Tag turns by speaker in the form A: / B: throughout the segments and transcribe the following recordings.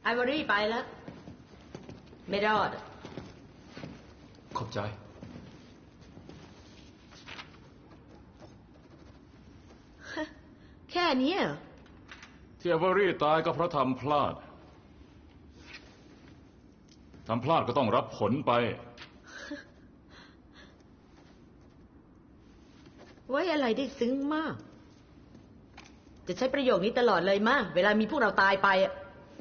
A: ไอวอรี่ไปแล้ว ไม่รอด
B: ขอบใจ
A: แค่นี้เหรอ
B: ที่เอเวอรี่ตายก็เพราะทำพลาดก็ต้องรับผลไป
A: ไว้อะไรได้ซึ้งมาก จะใช้ประโยคนี้ตลอดเลยมาก เวลามีพวกเราตายไปอะ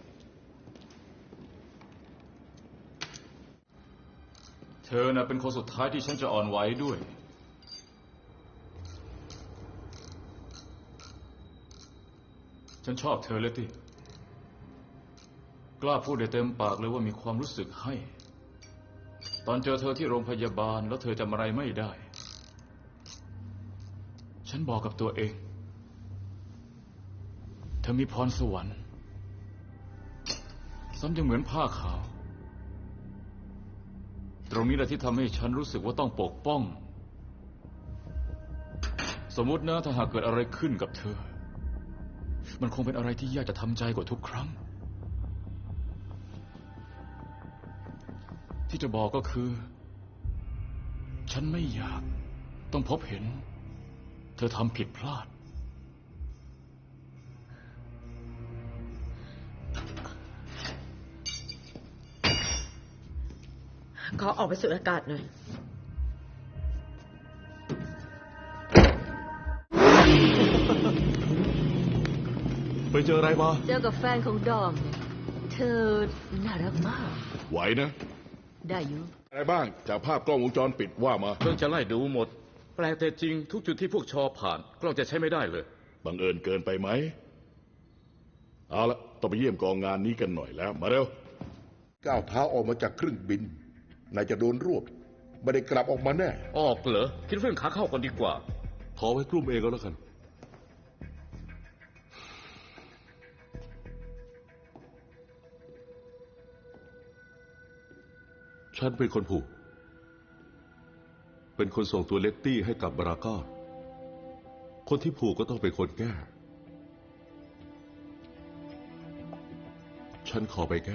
B: เธอน่ะเป็นคนสุดท้ายที่ฉันจะอ่อนไหวด้วย ฉันชอบเธอเลยที่กล้าพูดได้เต็มปากเลยว่ามีความรู้สึกให้ ตอนเจอเธอที่โรงพยาบาลแล้วเธอจำอะไรไม่ได้ ฉันบอกกับตัวเอง เธอมีพรสวรรค์ซ้ำยังเหมือนผ้าขาว ตรงนี้แหละที่ทำให้ฉันรู้สึกว่าต้องปกป้อง สมมตินะถ้าหากเกิดอะไรขึ้นกับเธอ มันคงเป็นอะไรที่ยากจะทำใจกว่าทุกครั้ง ที่จะบอกก็คือ ฉันไม่อยากต้องพบเห็น เธอทำผิดพลาด
A: ขอออกไปสูดอากาศหน่อย
C: ไปเจออะไรมา
D: เจอกับแฟนของดอมเนี่ยเธอน่ารักมาก
C: ไหวนะ
D: ได้อยู่
C: อะไรบ้างจากภาพกล้องวงจรปิดว่ามา
E: เพิ่งจะไล่ดูหมด แปลกแต่จริงทุกจุดที่พวกชอผ่านกล้องจะใช้ไม่ได้เลย
C: บังเอิญเกินไปไหม เอาละต้องไปเยี่ยมกองงานนี้กันหน่อยแล้ว มาเร็ว
F: ก้าวเท้าออกมาจากเครื่องบินนายจะโดนรวบไม่ได้กลับออกมาแน่
E: ออกเหรอคิดเรื่องขาเข้าก่อนดีกว่า
C: ขอไว้กลุ่มเองก็แล้วกัน ฉันเป็นคนผูก เป็นคนส่งตัวเลตตี้ให้กับบาราก้า คนที่ผูกก็ต้องเป็นคนแก้ ฉันขอไปแก้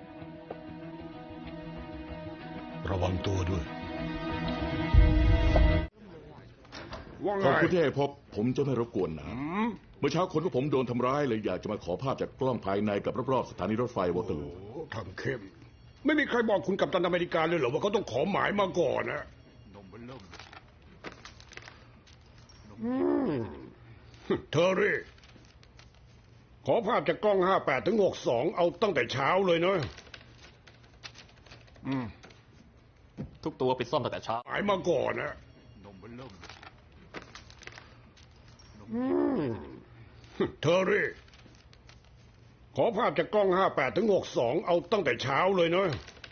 F: ระวังตัวด้วย
C: ขอบคุณที่ให้พบ ผมจะไม่รบกวนนะเมื่อเช้าคนของผมโดนทำร้ายเลยอยากจะมาขอภาพจากกล้องภายในกับรอบๆสถานีรถไฟวอเตอร์ลู
G: ทางเข้มไม่มีใครบอกคุณกัปตันอเมริกาเลยเหรอว่าเขาต้องขอหมายมาก่อนนะเทอร์รี่ ขอภาพจากกล้อง58 ถึง 62เอาตั้งแต่เช้าเลยเนอะ
E: ทุกตัวไปซ่อมตั้งแต่เช้า
G: หมายมาก่อนนะเทอร์รี่ ขอภาพจากกล้อง58 ถึง 62เอาตั้งแต่เช้าเลยเนอะ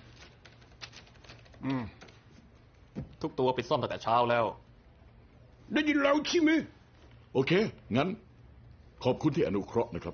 E: ทุกตัวไปซ่อมตั้งแต่เช้าแล้ว
G: ได้ยินแล้วใช่ไหม
C: โอเค งั้น ขอบคุณที่อนุเคราะห์นะครับ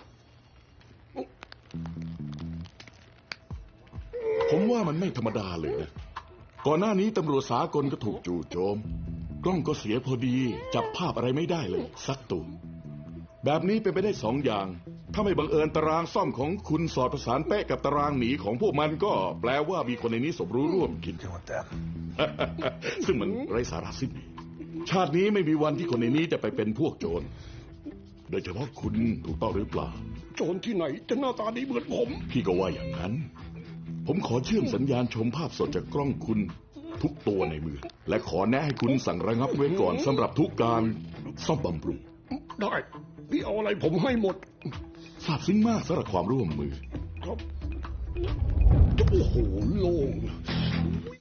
C: ผมว่ามันไม่ธรรมดาเลยนะ ก่อนหน้านี้ตำรวจสากลก็ถูกจู่โจม กล้องก็เสียพอดี จับภาพอะไรไม่ได้เลย สักตัวแบบนี้เป็นไปได้2 อย่าง ถ้าไม่บังเอิญตารางซ่อมของคุณสอดประสานเป๊ะกับตารางหนีของพวกมันก็แปลว่ามีคนในนี้สมรู้ร่วมคิด ซึ่งมันไร้สาระสิ้นดีชาตินี้ไม่มีวันที่คนในนี้จะไปเป็นพวกโจร โดยเฉพาะคุณถูกต้องหรือเปล่า
G: โจรที่ไหนจะหน้าตาดีเหมือนผม
C: พี่ก็ว่าอย่างนั้น ผมขอเชื่อมสัญญาณชมภาพสดจากกล้องคุณทุกตัวในมือ และขอแนะให้คุณสั่งระงับไว้ก่อนสำหรับทุกการซ่อมบำรุง
G: ได้ พี่เอาอะไรผมให้หมด
C: ซาบซึ้งมากสำหรับความร่วมมือ
G: ครับโอ้โหโล่ง